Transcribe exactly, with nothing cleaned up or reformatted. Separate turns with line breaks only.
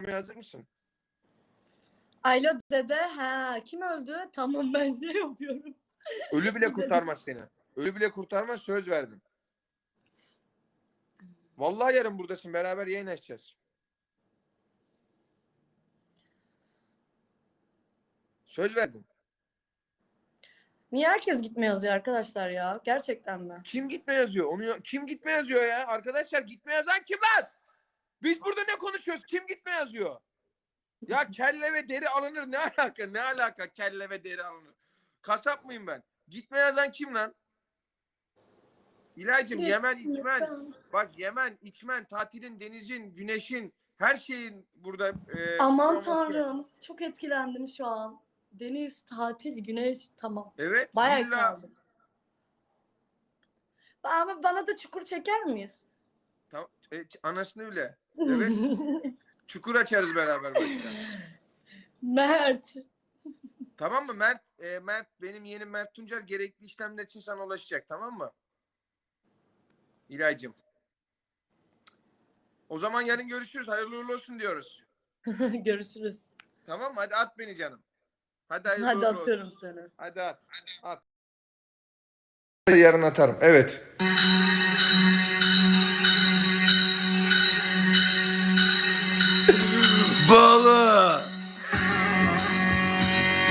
kurtarmaya hazır mısın?
Alo dede. Ha, kim öldü? Tamam ben şey yapıyorum.
Ölü bile kurtarmaz seni. Ölü bile kurtarmaz, söz verdim. Vallahi yarın buradasın. Beraber yayın açacağız. Söz verdim.
Niye herkes gitme yazıyor arkadaşlar ya? Gerçekten mi?
Kim gitme yazıyor? Onu kim gitme yazıyor ya? Arkadaşlar gitme yazan kim lan? Biz burada ne konuşuyoruz? Kim gitme yazıyor? Ya kelle ve deri alınır. Ne alaka? Ne alaka kelle ve deri alınır? Kasap mıyım ben? Gitme yazan kim lan? İlaycığım Yemen içmen. Bak Yemen içmen. Tatilin, denizin, güneşin, her şeyin burada e,
Aman
promosyon.
tanrım. Çok etkilendim şu an. Deniz, tatil, güneş. Tamam.
Evet.
Bayağı
Villa.
kaldım. Ama bana da çukur çeker miyiz?
Tamam. E, anasını bile. Evet. Çukur açarız beraber başta.
Mert.
Tamam mı Mert? E, Mert benim yeğenim Mert Tuncer gerekli işlemler için sana ulaşacak. Tamam mı? İlaycığım. O zaman yarın görüşürüz. Hayırlı uğurlu olsun diyoruz.
Görüşürüz.
Tamam mı? Hadi at beni canım. Hadi hayırlı
Hadi
uğurlu
atıyorum
olsun.
seni.
Hadi at. At. Yarın atarım. Evet.